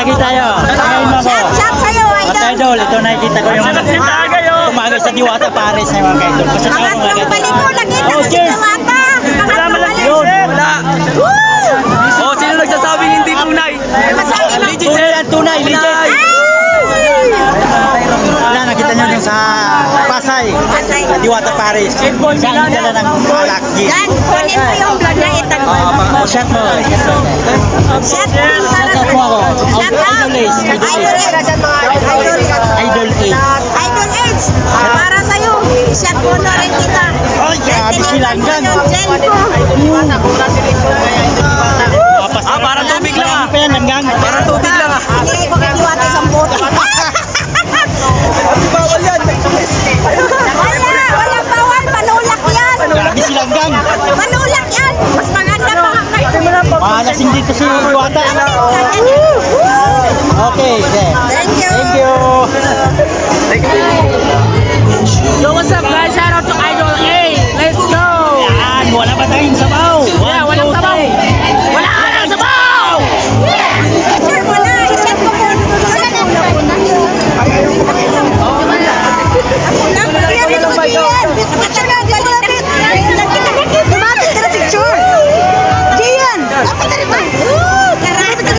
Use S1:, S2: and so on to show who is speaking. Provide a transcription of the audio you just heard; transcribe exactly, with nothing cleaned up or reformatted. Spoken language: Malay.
S1: lagi tayo. Ngayon mo ako.
S2: Shout, shout sa'yo,
S1: At
S2: idol.
S1: idol, ito nakikita ko yung ano. Tumagay sa Diwata Paris na mga idol. Kasi tayo mga
S2: Pangatlong
S1: idol.
S2: balik ko, nakita
S1: Oh,
S2: ko si
S1: cheers.
S2: Diwata. Pangatlong balik.
S1: Yun.
S3: Wala. Oh, sino nagsasabing hindi tunay?
S2: Masabi mo.
S3: Legit,
S1: Tunay
S3: sir.
S1: yan, tunay, legit.
S2: Ay!
S1: Wala, nakita nyo yung sa Pasay.
S2: Pasay.
S1: Sa Diwata Paris. Saan dala ng alak?
S2: Yan, kunin mo yung vlog na itan mo.
S1: O, shot mo.
S2: Shout din para
S1: Shout out mo ako.
S2: Shout out.
S1: Idol Ace. Idol
S2: Idol
S1: Ace.
S2: Ace.
S1: Idol Ace.
S2: Idol Age, para sa'yo, i-shot mo na rin kita.
S1: Ay, grabe sila hanggang.
S2: Yung gel ko.
S3: Ah, para tubig lang ah.
S1: Pa yan hanggang.
S3: Para tubig lang ah.
S2: Hindi ko kikiwata isang bote.
S3: Bawal yan.
S2: Wala, wala bawal, manulak yan.
S1: Grabe sila hanggang.
S2: Manulak yan. Mas maganda pa.
S1: Mahalasing dito si Diwata.
S2: Ganyan